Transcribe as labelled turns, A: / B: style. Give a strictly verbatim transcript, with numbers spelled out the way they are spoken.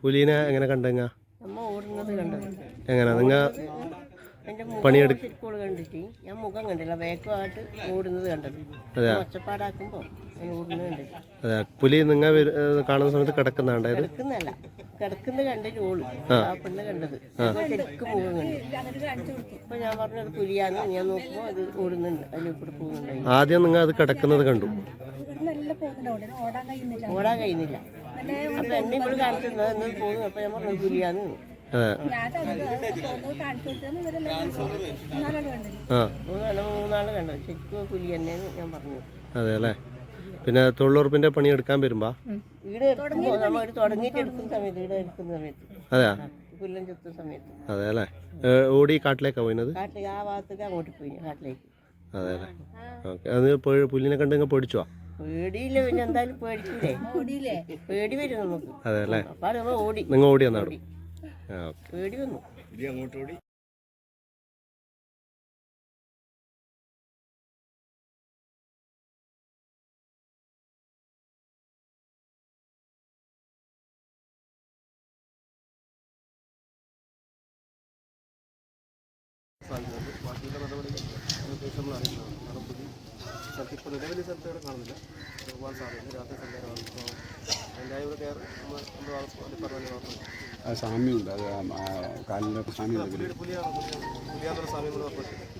A: പുലിനെ എങ്ങനെ കണ്ടെങ്ങ
B: നമ്മ ഓടുന്നത് കണ്ടത്
A: എങ്ങനെ നിങ്ങൾ
B: എൻ്റെ മുഖം ശരിക്കും കണ്ടിട്ട് ഞാൻ മുഖം കണ്ടില്ല വേഗമായിട്ട് ഓടുന്നത് കണ്ടത് ഒച്ചപ്പാടാക്കുമ്പോൾ ഞാൻ ഓടുന്നത് കണ്ടില്ല.
A: അതെ പുലി നിങ്ങൾ കാണുന്ന സമയത്ത് കിടക്കുന്നുണ്ട്
B: കിടക്കുന്നല്ല കിടക്കുന്നത് കണ്ടിട്ട് ഓള് ആ പെണ്ണ് കണ്ടത് ശരിക്കും മുഖം കണ്ടു. അപ്പൊ ഞാൻ പറഞ്ഞത് പുലിയാന്ന് ഞാൻ നോക്കുമ്പോൾ അത് ഓടുന്നുണ്ട് അതിൽ കൂടെ പോകുന്നുണ്ടായി.
A: ആദ്യം നിങ്ങൾ അത് കിടക്കുന്നത് കണ്ടു
B: ഓടാൻ കഴിയുന്നില്ല. അപ്പൊ എന്നെ ഇവിടെ കാണിച്ചിരുന്നത് എന്ന് പോകുന്നു. അപ്പൊ ഞാൻ പറഞ്ഞത് പുലിയാന്ന്. മൂന്നാള് കണ്ടത് ശരിക്കും പുലി തന്നെയാണ് ഞാൻ പറഞ്ഞു.
A: അതെ അല്ലേ. പിന്നെ തൊഴിലുറപ്പിന്റെ പണി എടുക്കാൻ വരുമ്പോ
B: വീട് എടുക്കുമ്പോൾ നമ്മൾ തുടങ്ങിയിട്ട് എടുക്കുന്ന സമയത്ത് വീട് എടുക്കുന്ന സമയത്ത്
A: അതെയാ
B: പുല്ലം ചെത്തുന്ന സമയത്ത്
A: അതെ അല്ലേ. ഓടി കാട്ടിലേക്കാ പോയിന്നത്?
B: കാട്ടിലേക്ക് ആ ഭാഗത്തേക്ക് അങ്ങോട്ട് പോയി കാട്ടിലേക്ക്.
A: അതെ അല്ലേ. ഓക്കെ. അത് പുല്ലിനെ കണ്ടെങ്കിൽ പേടിച്ചോ?
B: പേടിയില്ല. പിന്നെ എന്തായാലും പേടിക്കൂലേ? പേടി വരും നമുക്ക്.
A: അതെ അല്ലേ.
B: അപ്പൊ നമ്മൾ ഓടി.
A: നിങ്ങൾ ഓടി വന്നാടും
B: പേടി വന്നു.
C: അങ്ങോട്ട് ഓടി.
A: ബാക്കിയുള്ള നടപടികൾ അതിനുശേഷം നമ്മൾ അറിയുന്നതാണ്. കാരണം പുലി സ്ഥലത്ത് ഇപ്പോൾ നിലവിലെ സ്ഥലത്ത് ഇവിടെ കാണുന്നില്ല. പോകാൻ സാധ്യത രാത്രി സഞ്ചാരമാണ്. അതിൻ്റെ ഇവിടെ കയറി നമ്മൾ നമ്മൾ പറഞ്ഞ
C: സാമ്യമുണ്ട്. അത് കാലിൻ്റെ സാമ്യം
A: പുലിയാണ് പുലിയാന്നുള്ള സാമ്യം കൂടെ ഉറപ്പിച്ചു.